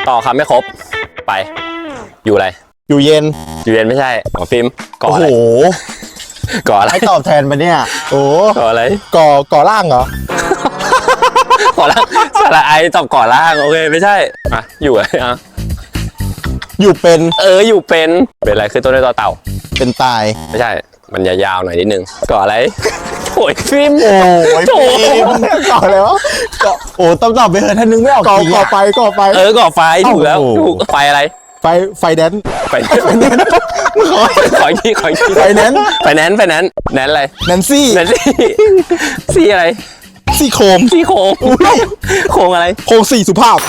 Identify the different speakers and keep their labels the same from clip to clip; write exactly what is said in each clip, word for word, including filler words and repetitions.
Speaker 1: ต่อคำไม่ครบไปอยู่อะไร
Speaker 2: อยู่เย็น
Speaker 1: อยู่เย็นไม่ใช่หมอฟิล์มก่ออะไร
Speaker 2: โอ้โห
Speaker 1: ก่ออะไร
Speaker 2: ให้ตอบแทนไปเนี่ยโอ้
Speaker 1: ก่ออะไร
Speaker 2: ก่อก่อร่างเหรอ
Speaker 1: ก่อล่างสระไอตอบก่อล่างโอเคไม่ใช่อ่ะอยู่อะไรอ่ะ
Speaker 2: อยู่เป็น
Speaker 1: เอออยู่เป็นเป็นอะไรคือต้นด้วยต่อเต่า
Speaker 2: เป็นตาย
Speaker 1: ไม่ใช่มันยาวๆหน่อยนิดนึงก่ออะไรโอ้ยฟิล์ม
Speaker 2: โอ้ยฟิล์มก่ออะไรวะก่อโอ้ต้องตอบไปเถอะถ้านึกไม่ออกก่อก่อไฟก่อไฟ
Speaker 1: เออก่อไฟถูกแล้วถูกไฟอะไร
Speaker 2: ไฟไฟแดน
Speaker 1: ไฟขอขอที่ขอที่
Speaker 2: ไฟแนน
Speaker 1: ไฟแนนไฟแนนแนนอะไร
Speaker 2: แนนซี่
Speaker 1: แนนซี่ซี่อะไร
Speaker 2: ซี่โครง
Speaker 1: ซี่โครงโครงอะไร
Speaker 2: โครงสี่สุภาพ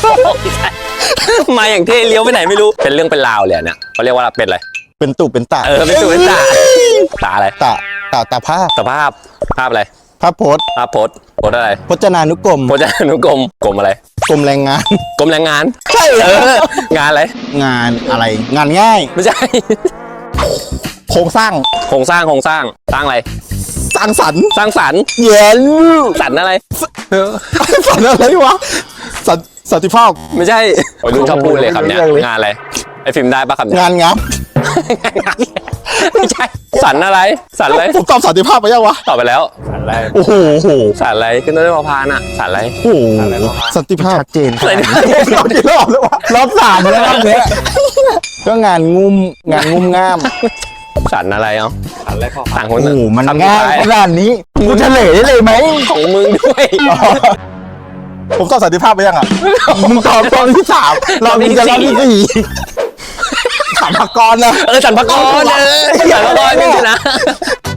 Speaker 1: มาอย่างเท่เลี้ยวไปไหนไม่รู้เป็นเรื่องเป็นราวเลยเนี่ยเขาเรียกว่าเป็นอะไร
Speaker 2: เป็นตุเป็นตา
Speaker 1: เออเป็นตุเป็นตาตาอะไร
Speaker 2: ตาตาตาภาพ
Speaker 1: ตาภาพภาพอะไร
Speaker 2: ภาพโพส
Speaker 1: ภาพโพสโพสอะไร
Speaker 2: พจนานุกรม
Speaker 1: พจนานุกรมกรมอะไร
Speaker 2: กรมแรงงาน
Speaker 1: กรมแรงงาน
Speaker 2: ใช่
Speaker 1: เอองานอะไร
Speaker 2: งานอะไรงานง่าย
Speaker 1: ไม่ใช่
Speaker 2: โครงสร้าง
Speaker 1: โครงสร้างโครงสร้างสร้างอะไร
Speaker 2: สร้างสรรค์
Speaker 1: สร้างสรรค์
Speaker 2: เย็น
Speaker 1: สรรอะไร
Speaker 2: สรรอะไรวะสันสันติภาพ
Speaker 1: ไม่ใช่วัยรุ่นชอบพูดเลยคำเนี้ยงานอะไรไอ้ฟิล์มได้ปะคำเนี้ย
Speaker 2: งานงับ
Speaker 1: ไม่ใช่สันอะไรสันอะไร
Speaker 2: ผมตอบสันติภาพไปยังวะ
Speaker 1: ตอบไปแล้วสันอะไร
Speaker 2: โอ้โห
Speaker 1: สันอะไรขึ้นต้นด้วยพอพานอ่ะสันอะไร
Speaker 2: โอ้โหสันติภาพชัดเจนรอบกี่รอบแล้ววะรอบสามแล้วรอบเนี้ยก็งานงุ้มงานงุ้มง่าม
Speaker 1: สันอะไรเอ้าสันอะไรพอต่างคน
Speaker 2: โอ้โหมันง่ายขนาดนี้กูเฉลยได้เลยไหม
Speaker 1: ของมึงด้วย
Speaker 2: ผมตอบสันติภาพไปยังอ่ะมึงตอบตอนที่สามรอบนี้จะรอบที่สี่สัมภากรนะ
Speaker 1: เออสัมภากรเออสัมภากรนี่ชนะ